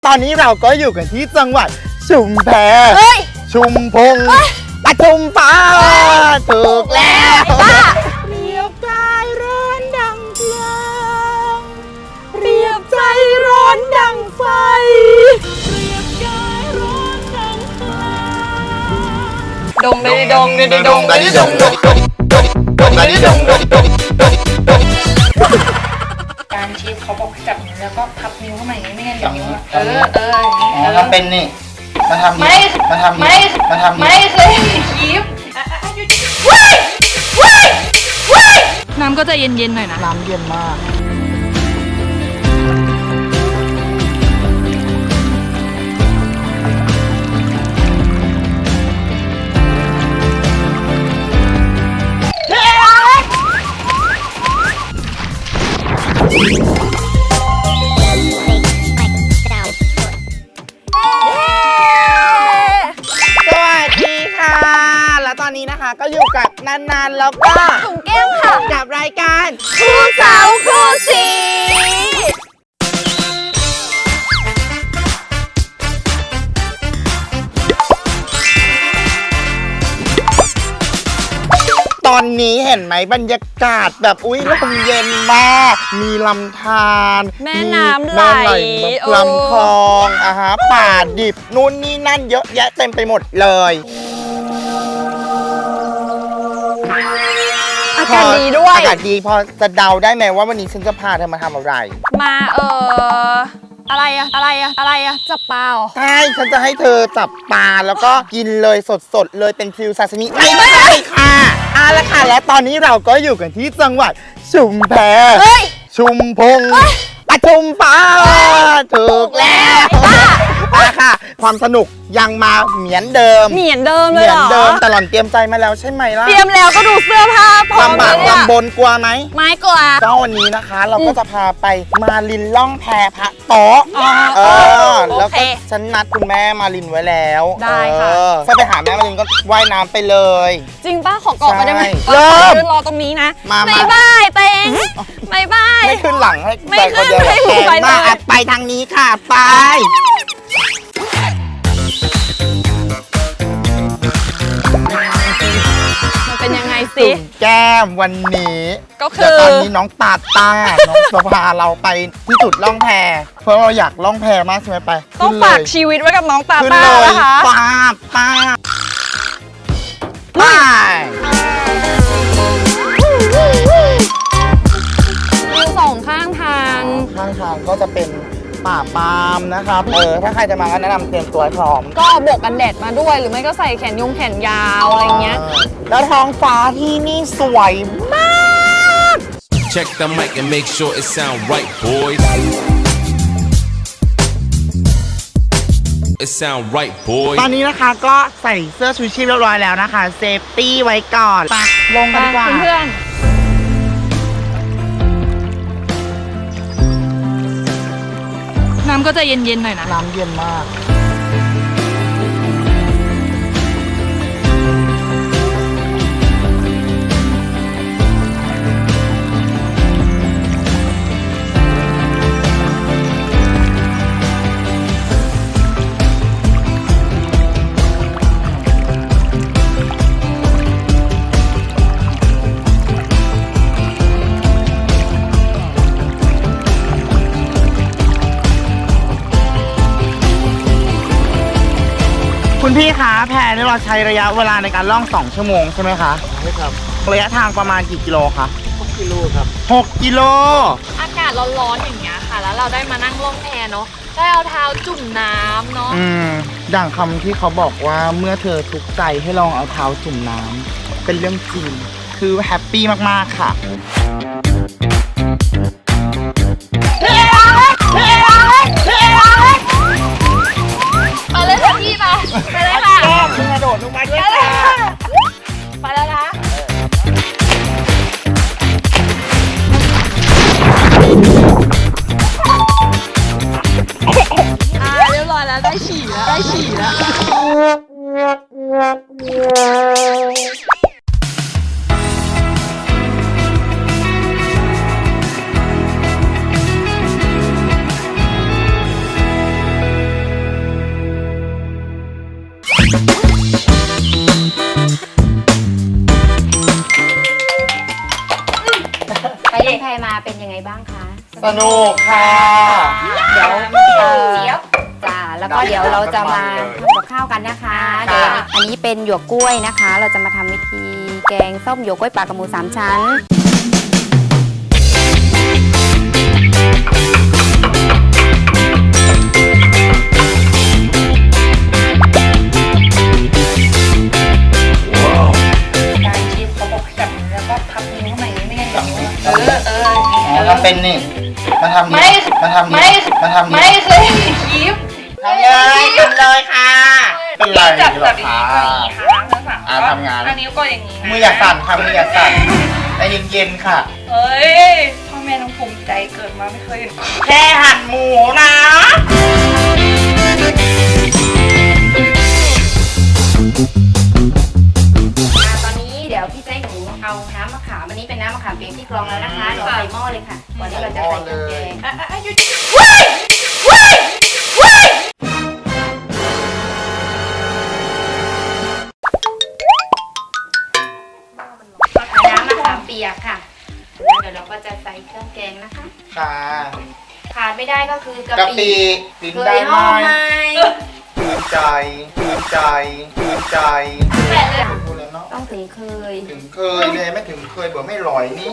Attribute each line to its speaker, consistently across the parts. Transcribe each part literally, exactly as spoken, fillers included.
Speaker 1: ตอนนี้เราก็อยู่กันที่จังหวัดชุมแพชุมพงปทุมป้าถูกแล้วเรียบกายร้อนดังเพลิงเรียบใจร้อนดังไฟเรียบกายร้อนดังเพลิงดงได้ดงได้ดงได้ดงดงดงได้ดงดงดง
Speaker 2: การชีฟเขาบอกให้จับนิ้วแล้วก็พับนิ้วเข้ามาอย่างนี้ไม่งั้นเดี๋ยวนิ้วเออเอออย่างนี้
Speaker 1: ทำเป็นนี่มาทำไม่มาทำ
Speaker 2: ไม่
Speaker 1: มาทำ
Speaker 2: ไม่เคยชีฟว้ายว้ายว้ายน้ำก็จะเย็นๆหน่อยนะ
Speaker 1: น้ำเย็นมากตอนนี้นะคะก็อยู่กับนานๆแล้วก็
Speaker 2: ถุงแก้วค่ะ
Speaker 1: กับรายการ
Speaker 2: คู่สาวคู่สี
Speaker 1: ตอนนี้เห็นไหมบรรยากาศแบบอุ้ยลมเย็นมากมีลำธาร
Speaker 2: แม่น้ำไหล
Speaker 1: ลำคลองอะฮะป่าดิบนู่นนี่นั่นเยอะแยะเต็มไปหมดเลย
Speaker 2: อากาศดีด้วย
Speaker 1: อากาศดีพอจะเดาได้ไหมว่าวันนี้ฉันจะพาเธอมาทำอะไร
Speaker 2: มาเอออะไรอะอะไรอะอะไรอะจับปลาใช่
Speaker 1: ฉันจะให้เธอจับปลาแล้วก็กินเลยสดๆเลยเป็นฟิวซาซิมิไม่ใช่ค่ะเอาละค่ะและตอนนี้เราก็อยู่กันที่จังหวัดชุมแพชุมพงปทุมป้าถูกแล้วมาค่ะความสนุกยังมาเหมือนเดิม
Speaker 2: เหมือนเดิมเลยเหรอ
Speaker 1: เหมือนเดิมแต่หล่อนเตรียมใจมาแล้วใช่ไหมล่ะ
Speaker 2: เตรียมแล้วก็ดูเสื้อผ้าพร้อมเลย
Speaker 1: ลำบนกลัวไหม
Speaker 2: ไม่กลัว
Speaker 1: ก็วันนี้นะคะเราก็จะพาไปมาลินล่องแพพระโต๊ะเออแล้วก็ฉันนัดคุณแม่มาลินไว้แล้ว
Speaker 2: ได้ค่ะ
Speaker 1: ถ้าไปหาแม่มาลินก็ว่ายน้ำไปเลย
Speaker 2: จริงป้าขอเกาะไปได้ไหม
Speaker 1: เริ่ม
Speaker 2: รอตรงนี้นะ
Speaker 1: มา
Speaker 2: บายบายเต็งบายบาย
Speaker 1: ไม่ขึ้นหลังให้
Speaker 2: ไม่ขึ้นให้หมูไป
Speaker 1: มาไปทางนี้ค่ะไป
Speaker 2: เป็นยังไงสิ
Speaker 1: แก้มวันนี้
Speaker 2: ก็คือ
Speaker 1: ตอนนี้น้องตาตาน้องจะพาเราไปที่จุดล่องแพเพราะเราอยากล่องแพมากใช่ไหมไป
Speaker 2: ต้องฝากชีวิตไว้กับน้องตาตานะคะ
Speaker 1: ป้าป้าไป
Speaker 2: มีสองข้างทาง
Speaker 1: ข้างทางก็จะเป็นป่าปาล์มนะครับเออถ้าใครจะมาก็แนะนำเตรียมตัวพร้อม
Speaker 2: ก็บวกกันแดดมาด้วยหรือไม่ก็ใส่แขนยงแขนยาวอะไรเงี้ย
Speaker 1: แล้วท้องฟ้าที่นี่สวยมาก
Speaker 3: Check the mic and make sure it sound right boys It sound right boys
Speaker 1: ตอนนี้นะคะก็ใส่เสื้อชูชีพเรียบร้อยแล้วนะคะเซฟตี้ไว้ก่อนไปลงกันดีกว่า
Speaker 2: เพื่อนน้ำก็จะเย็นๆหน่อยนะ
Speaker 1: น้ำเย็นมากคุณพี่คะแพนี่เราใช้ระยะเวลาในการล่องสองชั่วโมงใช่ไหมคะใช่ครับระยะทางประมาณกี่กิโลคะหกกิโลครับหกกิโล
Speaker 2: อากาศร้อนๆอย่างเงี้ยค่ะแล้วเราได้มานั่งล่องแพเนาะได้เอาเท้าจุ่มน้ำเนาะ
Speaker 1: อืมอย่างคำที่เขาบอกว่าเมื่อเธอทุกข์ใจให้ลองเอาเท้าจุ่มน้ำเป็นเรื่องจริงคือแฮปปี้มากๆค่ะ
Speaker 2: ไปเลยค่ะพี่ไปไปเลยค่ะ
Speaker 1: แก้มกระโดดลงมาด้วยค่ะ
Speaker 2: ไปแล้วนะอ่าเรียบร้อยแล้วได้ฉี่แล้วได้ฉี่แล้ว
Speaker 4: บ้างคะ
Speaker 1: สนุกค่ะ
Speaker 4: เดี๋ยวเออจ้าแล้วก็เดี๋ยวเราจะมาทำกับข้าวกันนะคะเดี๋ยวอันนี้เป็นหยวกกล้วยนะคะ เราจะมาทำวิธีแกงส้มหยวกกล้วยปลากระหมูสามชั้น
Speaker 2: การชิมเขาบอกจับแล้วก็พับนิ้วข้างในไม่งั้น
Speaker 1: จับ
Speaker 2: นิ้ว
Speaker 1: นิ้ว
Speaker 2: เออเออ
Speaker 1: อ๋อทำเป็นนี่ มาทำ
Speaker 2: ไม่
Speaker 1: นี่มาทำ
Speaker 2: ไม่
Speaker 1: นี่มาทำ
Speaker 2: ไม่
Speaker 1: นี่
Speaker 2: เคยคิด
Speaker 1: ทำเลยทำเลยค่ะ เป็นไร
Speaker 2: จับ
Speaker 1: หร
Speaker 2: จั
Speaker 1: อบ
Speaker 2: อย่าง
Speaker 1: คะ
Speaker 2: นี้ก็อย่างนี้ค่ะทั้งสาม
Speaker 1: อ่าทำงาน
Speaker 2: อันนี้ก็อย่างนี้นะ
Speaker 1: มืออย่าสั่นค่ะมืออย่าสั่นใจเย็นๆค่ะ
Speaker 2: เฮ้ยพ่อแม่ต้องภูมิใจเกิดมาไม่เคยเห็น
Speaker 1: แค่หั่นหมูนะ
Speaker 4: อ่าตอนนี้เดี๋ยวพี่จะให้หนูเอาน้ำมะขามอันนี้เป็นน้ำมะขามเปียกที่กรองแล้วนะคะเราใส่หม้อเลยค่ะก่อนที่เราจะใส่เครื่องแกง
Speaker 2: อ่ะอ่ะอ่ะหยุดเฮ้ยเฮ้ยเฮ้ย
Speaker 4: น้ำมะขามเปียกค่ะแล้วเดี๋ยวเราก็จะใส่เครื่องแกงนะคะ
Speaker 1: ค่ะ
Speaker 4: ขาดไม่ได้ก็คือกะ
Speaker 1: กะ
Speaker 4: ปิ
Speaker 1: ปิลิ้น
Speaker 4: เค
Speaker 1: ได้
Speaker 4: ย
Speaker 1: ไหม
Speaker 4: ห้อมไหม
Speaker 1: คืนใจคืนใจคืนใจ
Speaker 2: แปะเลย
Speaker 1: พูดแล้วเนาะ
Speaker 4: ต้องถึงเคย
Speaker 1: ถึงเคยเลยไม่ถึงเคยเบื่อไม่ลอยนี่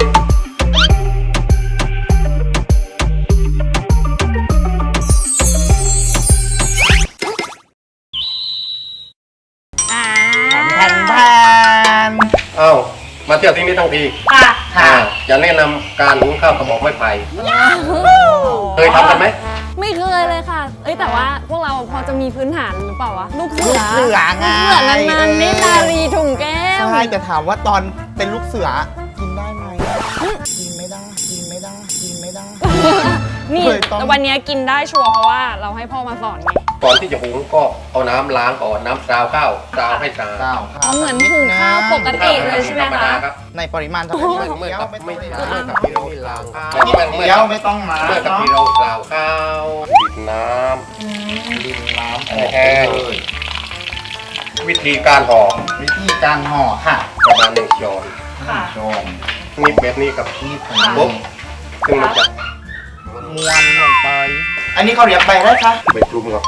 Speaker 4: อ่า
Speaker 1: แผ่นแผ่น
Speaker 5: เอ้ามาเที่ยวที่นี่ทั้งที
Speaker 2: ค่ะ
Speaker 1: ค่ะ
Speaker 5: อ่าจะแนะนำการหุงข้าวกระบอกไม้ไผ่เคยทำกันไหม
Speaker 6: ไม่เคยเลยค่ะ เอ้ยแต่ว่าพวกเราพอจะมีพื้นฐานหรือเปล่าวะ ลูกเสือ
Speaker 1: ลูกเสือไง
Speaker 6: ลูกเสือนานๆเนตรนารีถุงแก้ว
Speaker 1: ใช่แต่ถามว่าตอนเป็นลูกเสือกินได้ไหมกินไม่ได้กินไม่ได้กินไม่ได้
Speaker 6: นี่
Speaker 1: เคยต้อง
Speaker 6: แต่วันนี้กินได้ชัวร์เพราะว่าเราให้พ่อมาสอนไง
Speaker 5: ก่อนที่จะหุงก็เอาน้ำล้างก่อนน้ำซาวข้าวซาวให้สะอาด
Speaker 1: เจ้า
Speaker 6: อ๋อเหมือนหุงข้าวปกติ เลยใช่ไหมคะ
Speaker 5: ธรรดารับ
Speaker 1: ในปริมาณเท่าไหร่
Speaker 5: เมื่อเมื่อ
Speaker 1: เดี๋ยว
Speaker 5: กับ
Speaker 1: ไม่
Speaker 5: ไม่
Speaker 1: ต้อง
Speaker 5: เมื่อกับที่เราล้างข้าว
Speaker 1: เดี๋ยวไม่ต้องมา
Speaker 5: เมื่อกับที่เราซาวข้าวดิบน้
Speaker 1: ดินน้ำ
Speaker 5: ำแห้งวิธีการห่อ
Speaker 1: วิธีการห่อค่ะ
Speaker 5: ประมาณหนึ่งช้อน
Speaker 2: ค่ะ
Speaker 1: โจม
Speaker 5: นี่แบบนี้กับ
Speaker 1: นี่ผม
Speaker 5: ปุ๊บซึ่งมันจะ
Speaker 1: ม้วนลงไป อันนี้เขาเรียกไปได้คะ
Speaker 5: ไปคลุมกับ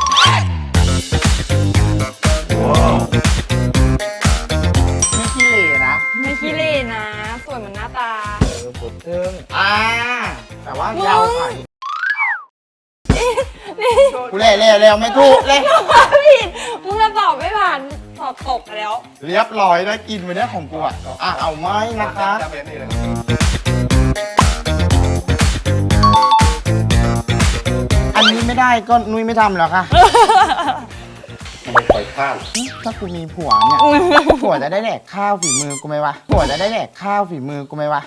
Speaker 1: ไม่ขี้เหร่นะ
Speaker 6: ไม่ขี้เล่นะ สวยเหมือนหน้าตา
Speaker 1: เออผมเทิงอ่าแต่ว่ายาวไปกูเล่เล่เร็วไม่ถูกเลย
Speaker 6: ผิดมึงจะตอบไม่ผ่านสอบตกแล้ว
Speaker 1: เรียบร้อยได้กินไปได้ของกูอ่ะอ่ะเอาไหมนะคะ
Speaker 5: จะแบบนี้เลย
Speaker 1: อันนี้ไม่ได้ก็นุ้ยไม่ทำแล้วค่ะ
Speaker 5: ไม่ปล่อยข้าง
Speaker 1: ถ้ากูมีผัวเนี่ย ผัวจะได้แดกข้าวฝีมือกูไหมวะ ผัวจะได้แดกข้าวฝีมือกูไหมวะ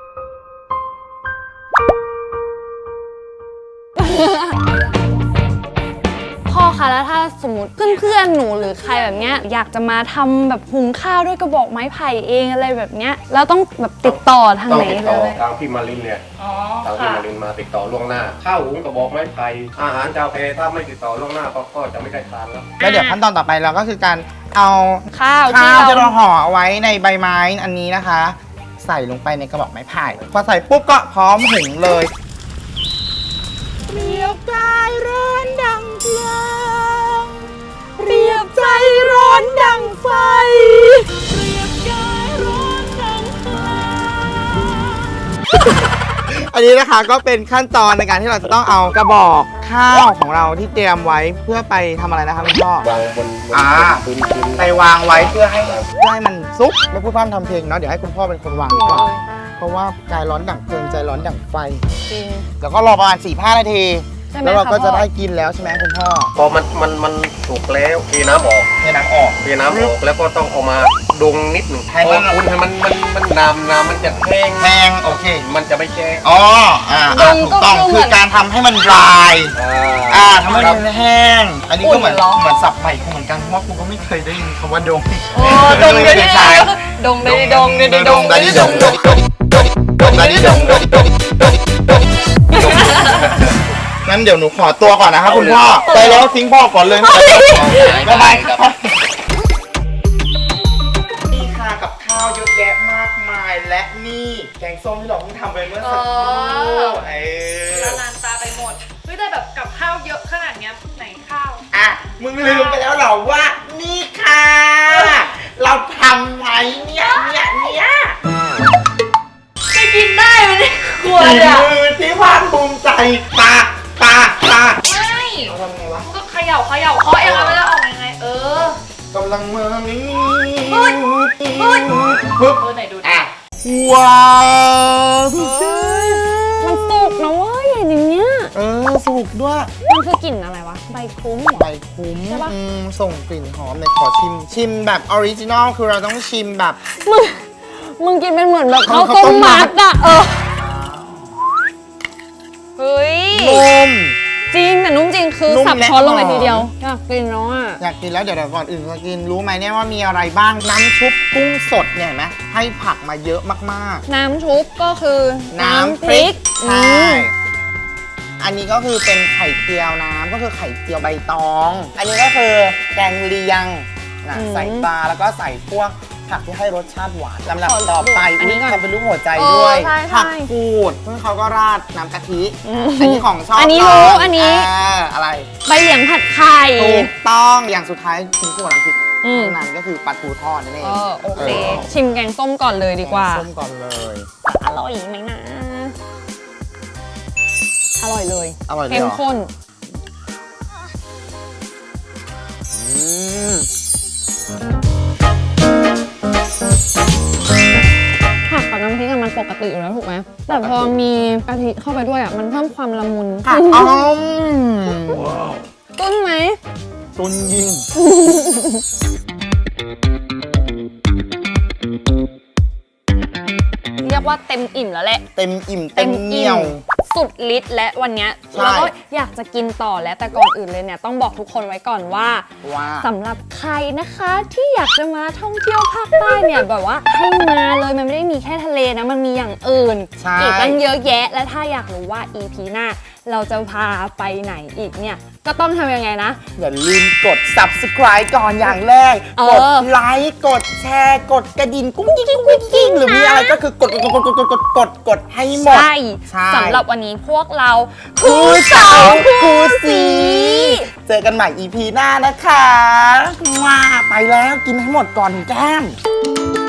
Speaker 6: พ่อคะแล้วถ้าสมมติเพื่อนๆหนูหรือใครแบบเนี้ยอยากจะมาทำแบบหุงข้าวด้วยกระบอกไม้ไผ่เองอะไรแบบเนี้ยแล้วต้องแบบติดต่อทาง
Speaker 5: ต้อง
Speaker 6: ไหน
Speaker 5: ติด
Speaker 6: เล
Speaker 5: ต่อย ทางพี่มารินเนี่ย
Speaker 2: อ๋อ
Speaker 5: ทางพี่
Speaker 2: ค่ะ
Speaker 5: มารินมาติดต่อล่วงหน้า ข้าวหุงกระบอกไม้ไผ่อาหารเจ้าเพถ้าไม่ติดต่อล่วงหน้าก็ก็จะไม่ได้ทานแล้ว
Speaker 1: แล้วเดี๋ยวขั้นตอนต่อไปเราก็คือการเอา
Speaker 6: ข้าว
Speaker 1: ข้าวที่
Speaker 6: ที่
Speaker 1: เรา
Speaker 6: เรา
Speaker 1: ห่อเอาไว้ในใบไม้อันนี้นะคะ ใส่ลงไปในกระบอกไม้ไผ่ พอใส่ปุ๊บก็พร้อมหุงเลยเปรียบกายร้อนดังเพลิงเปรียบใจร้อนดังไฟ เปรียบกายร้อนดังไฟ อันนี้นะคะก็เป็นขั้นตอนในการที่เราจะต้องเอากระบอกข้าวของเราที่เตรียมไว้เพื่อไปทำอะไรนะคะคุณพ่อ
Speaker 5: วางบนบน
Speaker 1: อ่า
Speaker 5: พื้นพื้น
Speaker 1: ไปวางไว้เพื่อให้เพื่อให้มันซุกไม่พูดพร่ำทำเพลงเนาะเดี๋ยวให้คุณพ่อเป็นคนวางดีกว่า เพราะว่ากายร้อนดั่งเพลิงใจร้อนดั่งไฟ
Speaker 6: จริง
Speaker 1: แล้วก็รอประมาณ สี่ห้า นาที
Speaker 6: ใช่ไหม
Speaker 1: แล้วเรา
Speaker 6: คะ
Speaker 1: ก็จะ
Speaker 6: พ่อ
Speaker 1: ได้กินแล้วใช่ไหมคุณพ่อ
Speaker 5: พอมันมันมันสุกแล้วเทน้ำออก
Speaker 1: เทน้ำออก
Speaker 5: เทน้ำออกแล้วก็ต้องเอามาดงนิดหนึ่ง
Speaker 1: ให้
Speaker 5: พ
Speaker 1: มั
Speaker 5: อน คุณให้มันมันมันน้ำน้ำมันจะแห้ง
Speaker 1: แห้งโอเค
Speaker 5: มันจะไม่แห้ง
Speaker 1: อ๋ออ่าอ่าถูกต้องคือการทำให้มันดราย อ่าทำให้
Speaker 5: ครับ
Speaker 1: มันแห้ง อันนี้ก็เหมือน
Speaker 6: อุ่นเหรอ
Speaker 1: เหมือนสับใหม่เหมือนกันเพราะว่ากูก็ไม่เคยได้ยินคำว่าดง
Speaker 6: โอ้ดงเดี๋ยวนี้ดงเดี๋ยวนี้ดงเดี๋ยวนี้ดง
Speaker 1: ดง
Speaker 6: เดี๋ยวนี้ดง
Speaker 1: ดงดงดงดงดงดงดงดงดงงั้นเดี๋ยวหนูขอตัวก่อนนะครับคุณพ่อไปแล้วทิ้งพ่อก่อนเลยบ๊ายบายครับนี่ค่ะกับข้ข้าวเยอะแยะมากมายและนี่แกงส้มที่เราเพิ่งทำไปเมื่อสักครู่เออ
Speaker 2: ละลานตาไปหมดเฮ้ยแต่แบบกับข้าวเยอะขนาดเนี้ยไหนข้าว
Speaker 1: อ่ะมึงลืมไปแล้วเหรอว่า นี่ค่ะ เราทำไว้เนี่ยเนี่ยเนี่ย
Speaker 2: จะกินได้ไหมเนี่ยครัว
Speaker 1: ฝี
Speaker 2: เนี่ย
Speaker 1: มือที่ภาคภูมิใจปาปาปา
Speaker 2: ไม่
Speaker 1: เราทำไงวะ
Speaker 2: ก็เขย่าเขย่าเคาะเองแล้วมันจะออกยังไง เออก
Speaker 1: ำลังมานี่
Speaker 2: เฮ้ยเฮ้ย
Speaker 1: ปึ๊บ
Speaker 2: เออไหนดูดิ
Speaker 1: อ่ะว้าว
Speaker 6: มันสุกนะเว้ยอย่างเงี้ย
Speaker 1: เออสุกด้วย
Speaker 6: มันคือกลิ่นอะไรวะ ใบคุ้มเหรอ
Speaker 1: ใบคุ้ม
Speaker 6: ใช่ปะ
Speaker 1: อืมส่งกลิ่นหอมในอยขอชิม ชิมแบบออริจินอลคือเราต้องชิมแบบ
Speaker 6: มึง มึงกินเป็นเหมือนแบบข้าว
Speaker 1: ข้าวต้
Speaker 6: ต้ม
Speaker 1: มมั
Speaker 6: มั
Speaker 1: ด
Speaker 6: ดอะเออ เฮ้ย
Speaker 1: นุ่ม
Speaker 6: จริงแต่นุ่มจริงคือ
Speaker 1: นุ่ม
Speaker 6: สับ
Speaker 1: และ
Speaker 6: ช้อนลงไป
Speaker 1: หอม
Speaker 6: ทีเดียว อยากกินแล้วอ่ะ
Speaker 1: อยากกินแล้วเดี๋ยวเดี๋ยวก่อนอื่นจะกินรู้ไหมเนี่ยว่ามีอะไรบ้างน้ำชุบกุ้งสดเนี่ยเห็นไหมให้ผักมาเยอะมาก
Speaker 6: น้ำชุบก็คือ
Speaker 1: ๆ
Speaker 6: น้ำพริก
Speaker 1: ใช่
Speaker 6: อืม
Speaker 1: อันนี้ก็คือเป็นไข่เจียวน้ำก็คือไข่เจียวใบตอง อันนี้ก็คือแกงเลียงนะใส่ปลาแล้วก็ใส่พวกผักที่ให้รสชาติหวานลำดับต่อไป
Speaker 6: อันนี้ก่อน
Speaker 1: ทำเป็นรูปหัวใจ
Speaker 6: เออ
Speaker 1: ด้วย
Speaker 6: ใช่ใช่
Speaker 1: ผักกูดซึ่งเขาก็ราดน้ำกะทิอันนี้ของชอบ
Speaker 6: อันนี้
Speaker 1: เรา
Speaker 6: รู้อันนี้
Speaker 1: าอะไร
Speaker 6: ใบเหลียงผัดไข่
Speaker 1: ถูกต้องอย่างสุดท้ายชิ้นส่วนน้ำพริก
Speaker 6: อืม
Speaker 1: นั้นก็คือปลาทูทอดนั่นเอง
Speaker 6: เออโอเค ชิมแกงส้มก่อนเลยดีกว่า
Speaker 1: แงส้มก่อนเลย
Speaker 6: อร่อยไหมนะ อร่อยเลย
Speaker 1: อร่อยเลย
Speaker 6: เข้
Speaker 1: เห
Speaker 6: ม
Speaker 1: รอ
Speaker 6: ข้น
Speaker 1: อืม
Speaker 6: ผักกับน้ำพริกอะมันปกติอยู่แล้วถูกไหม แต่พอมีกะทิเข้าไปด้วยอะมันเพิ่มความละมุน
Speaker 1: ผักอ้อม
Speaker 6: ต้นไหม
Speaker 1: ตุนยิง
Speaker 6: เรียกว่าเต็มอิ่มแล้วแหละ
Speaker 1: เต็มอิ่มเต็มเหนียว
Speaker 6: สุดฤทธิ์และวันเนี้ย
Speaker 1: ใช่
Speaker 6: เราก็อยากจะกินต่อแล้วแต่ก่อนอื่นเลยเนี่ยต้องบอกทุกคนไว้ก่อนว่า
Speaker 1: ว่า
Speaker 6: สำหรับใครนะคะที่อยากจะมาท่องเที่ยวภาคใต้เนี่ยแบบว่าให้มาเลยมันไม่ได้มีแค่ทะเลนะมันมีอย่างอื่น
Speaker 1: ใช่
Speaker 6: อีกตั้งเยอะแยะและถ้าอยากรู้ว่า อี พี หน้าเราจะพาไปไหนอีกเนี่ยก็ต้องทำยังไงนะ
Speaker 1: อย่าลืมกด subscribe ก่อนอย่างแรก
Speaker 6: เออ
Speaker 1: กดไลค์ กดแชร์ กดกระดิ่งกุ้งกิ้งกุ้งกิ้งกิ้งหรือมีอะไรก็คือกดกดกดกดกดกดกดกดให้หมด
Speaker 6: ใช่
Speaker 1: ใช่
Speaker 6: สำหรับวันนี้พวกเรา
Speaker 1: คู่สาวคู่สีเจอกันใหม่ อี พี หน้านะคะว้าไปแล้วกินให้หมดก่อนแก้ม